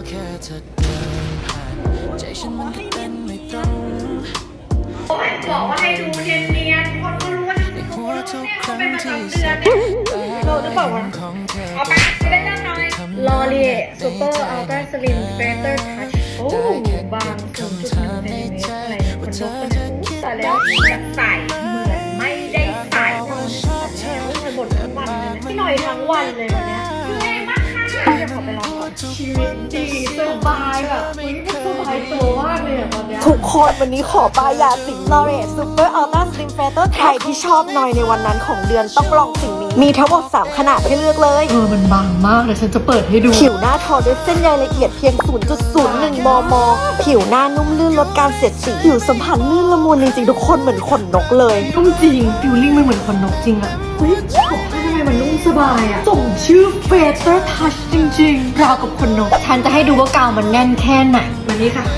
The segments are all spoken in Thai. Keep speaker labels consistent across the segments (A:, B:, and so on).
A: บอกว่าให้ดูเนียนๆคนก็รู้ว่าเนี่ยเขาเป็นประจำเดือนเนี่ยเราจะบอกว่าเอาไปได้ยังไงลอเรียซูเปอร์อัลตร้าสลิมเฟเตอร์ทัชโอ้บาง0.1 เซนติเมตรอะไรคนนกคนนู้แต่แล้วจะใส่เหมือนไม่ได้ใส่แต่บ่นทั้งวันเลยนะพี่หน่อยทั้งวันเลยวันนี้คือไงมากค่ะเดี๋ยวขอไปลองก่อนชีวิตดีสบายแบบสบายตัวมากเลยตอนนี้
B: ทุกคนวันนี้ขอป้ายยาสิงลอเรสซูเปอร์อัลตร้าสลิมเฟเตอร์ใครที่ชอบหน่อยในวันนั้นของเดือนต้องลองสิ่งนี้มีทั้งหมด3ขนาดให้เลือกเลย
A: มันบางมากเลยฉันจะเปิดให้ดู
B: ผิวหน้าทอด้วยเส้นใยละเอียดเพียง 0.01 มม. ผิวหน้านุ่มลื่นลดการเสียดสีผิวสัมผัสลื่นละมุนจริงๆทุกคนเหมือนขนนกเลย
A: นุ่มจริงฟิลลิ่งมันเหมือนขนนกจริงอะเฮ้ยบอกให้ทำไมมันนุ่มสบายอะส่งชื่อเฟเตอร์ทัชจริงๆราวกับขนนกฉันจะให้ดูว่ากาวมันแน่นแค่ไหนวันนี้ค่ะ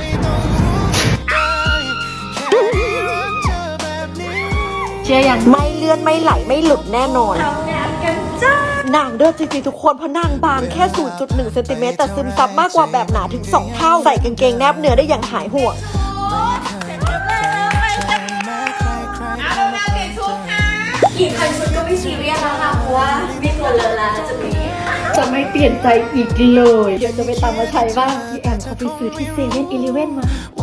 A: เชื่อยัง
B: ไม่เลื่อนไม่ไหลไม่หลุดแน่นอนนางเด้อจริงๆทุกคนเพราะนางบางแค่ 0.1 เซนติเมตรแต่ซึมซับมากกว่าแบบหนาถึง2เท่าใส่กางเกงแนบเนื้อได้อย่างหายห่วง
C: กี่พันชุดก็ไม่ซีเรียสแล้วค่ะเพราะว่ามีตัวเลอะแล้ว
A: จะไม่เปลี่ยนใจอีกเลยเดี๋ยวจะไปตามมาใช้บ้างพี่แอมเขาไปซื้อที่เซเว่นอีเลฟเว่นมา